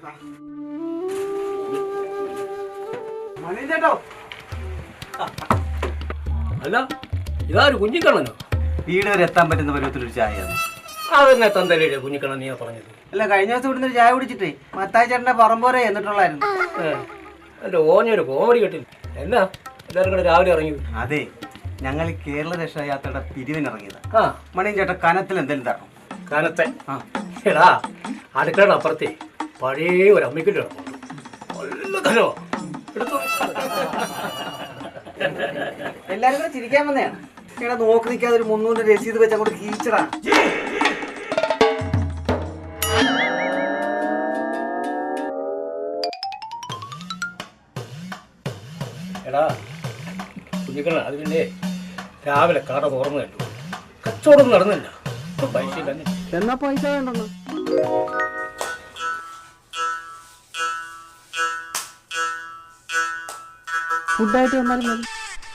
ചേട്ടോ അല്ല ഇതാര് കുഞ്ഞിക്കണ്ണനോ? വീട് വരെ എത്താൻ പറ്റുന്ന പരുവത്തിലൊരു ചായയാണ്. അതെന്നെ തന്തല്ലേ കുഞ്ഞിക്കണ്ണൻ നീ പറഞ്ഞത്? അല്ല, കഴിഞ്ഞ ദിവസം ഇവിടുന്ന് ഒരു ചായ കുടിച്ചിട്ടേ മത്തായി ചേട്ടന്റെ പറമ്പോരെ എന്നിട്ടുള്ളായിരുന്നു. എന്റെ ഓഞ്ഞൊരു കോമഡി കേട്ടില്ല. എന്നാ എല്ലാവരും കൂടെ രാവിലെ ഇറങ്ങി? അതെ, ഞങ്ങൾ ഈ കേരള രക്ഷായാത്രയുടെ പിരിവിനിറങ്ങിയതാ. മണിയും ചേട്ടൻ കനത്തിൽ എന്തെങ്കിലും തരണം. കനത്തെ? എടാ അടുക്കളയുടെ അപ്പുറത്തെ പഴയ ഒരു അമ്മിക്കല്ല് നല്ല കനോ എടുത്തു. എല്ലാരും കൂടെ ചിരിക്കാൻ വന്നതാണ്. ഇവിടെ നോക്കി നിൽക്കാതെ ഒരു 300 രസീത് വെച്ച് അങ്ങോട്ട് കീച്ചടാ. എടാ കുഞ്ഞിക്കണ്ണ, അത് പിന്നെ രാവിലെ കട തുറന്നു കണ്ടു, കച്ചവടം നടന്നില്ല. പൈസ തന്നെ. എന്നാ പൈസ വേണ്ടെന്ന് ഫുഡായിട്ട് വന്നാലും മതി.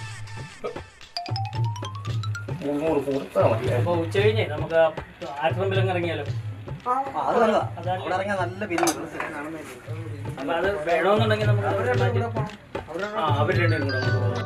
300 കൊടുത്താൽ മതി. അപ്പൊ ഉച്ച കഴിഞ്ഞേ നമുക്ക് ആശ്രമത്തിലങ്ങ് ഇറങ്ങിയാലോ? അത് നല്ലതാ. അവിടെ ഇറങ്ങിയാൽ നല്ല പിരിവ്. അപ്പൊ അത് വേണമെന്നുണ്ടെങ്കിൽ നമുക്ക് അവർ രണ്ടുപേരും കൂടെ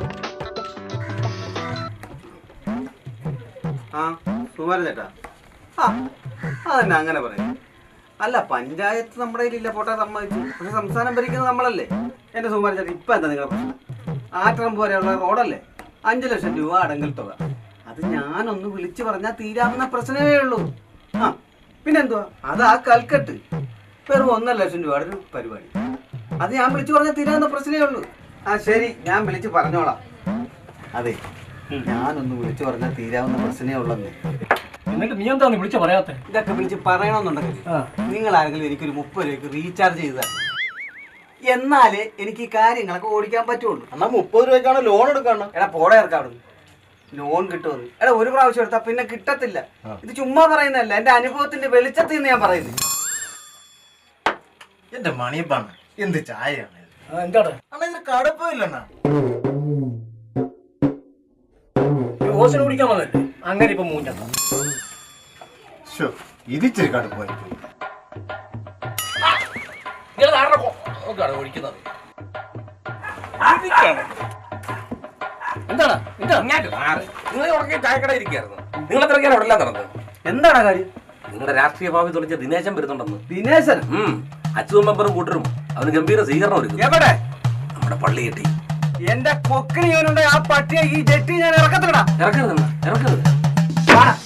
സുമാരൻ ചേട്ടാ, അതന്നെ അങ്ങനെ പറയും. അല്ല, പഞ്ചായത്ത് നമ്മുടെ കയ്യിലില്ല, പോട്ടെ, സമ്മതിച്ചു. പക്ഷെ സംസ്ഥാനം ഭരിക്കുന്നത് നമ്മളല്ലേ. എന്റെ സുമാരൻ ചേട്ടാ, ഇപ്പൊ എന്താ നിങ്ങളുടെ പ്രശ്നം? ആറ്റം പോലെയുള്ള റോഡല്ലേ, 5 ലക്ഷം രൂപ അടങ്കൽ തുക. അത് ഞാനൊന്ന് വിളിച്ചു പറഞ്ഞാൽ തീരാവുന്ന പ്രശ്നമേ ഉള്ളൂ. പിന്നെന്തുവാ, അത് ആ കൽക്കട്ട് വെറും 1.5 ലക്ഷം രൂപയുടെ ഒരു പരിപാടി. അത് ഞാൻ വിളിച്ചു പറഞ്ഞാൽ തീരാവുന്ന പ്രശ്നമേ ഉള്ളൂ. ശരി, ഞാൻ വിളിച്ച് പറഞ്ഞോളാം. അതെ, ഞാനൊന്ന് വിളിച്ചു പറഞ്ഞാൽ തീരാവുന്ന പ്രശ്നമേ ഉള്ളന്നേ. എന്നിട്ട് നീ എന്താ വിളിച്ച പറയാത്തെ? ഇതൊക്കെ വിളിച്ച് പറയണമെന്നുണ്ടെങ്കിൽ നിങ്ങൾ ആരെങ്കിലും എനിക്കൊരു 30 രൂപയ്ക്ക് റീചാർജ് ചെയ്താൽ എന്നാലേ എനിക്ക് ഈ കാര്യങ്ങളൊക്കെ ഓടിക്കാൻ പറ്റുള്ളൂ. എന്നാ 30 രൂപയ്ക്കാണ് ലോൺ എടുക്കണം. എടാ പോടെ ഇറക്കാവിടുന്നു, ലോൺ കിട്ടുമെന്ന്. എടാ ഒരു പ്രാവശ്യം എടുത്താൽ പിന്നെ കിട്ടത്തില്ല. ഇത് ചുമ്മാ പറയുന്നതല്ല, എന്റെ അനുഭവത്തിന്റെ വെളിച്ചത്തിൽ നിന്ന് ഞാൻ പറയുന്നത്. എന്റെ മണിയപ്പാണ് എന്ത് ചായയാണ് എന്താണ് ഇതിന് കടുപ്പില്ലണ്ണ. ഹോസ്റ്റൽ കുടിക്കാൻ വന്നല്ലേ, അങ്ങനെ ഇപ്പൊ മൂഞ്ഞ ഇതിച്ചിരി കടുപ്പായി ഒഴിക്കുന്നത്. എന്താണ് നിങ്ങൾ ഉറങ്ങി ചായക്കട ഇരിക്കായിരുന്നു. നിങ്ങൾ എത്രയ്ക്കാണ് അവിടെ എല്ലാം നടന്നത്? എന്താണ് കാര്യം? നിങ്ങളുടെ രാഷ്ട്രീയ ഭാവി തുളിച്ച ദിനേശൻ വരുന്നുണ്ടെന്ന്. ദിനേശൻ? അച്യുതൻ മെമ്പറും കൂട്ടരും അവന് ഗംഭീര സ്വീകരണം ഒരുക്കും. എവിടെ? നമ്മുടെ പള്ളി കെട്ടി. എന്റെ കൊക്കിന് ആ പട്ടിയെ ഈ ജെട്ടി ഞാൻ ഇറക്കത്തില്ലടാ. ഇറക്കരുത്.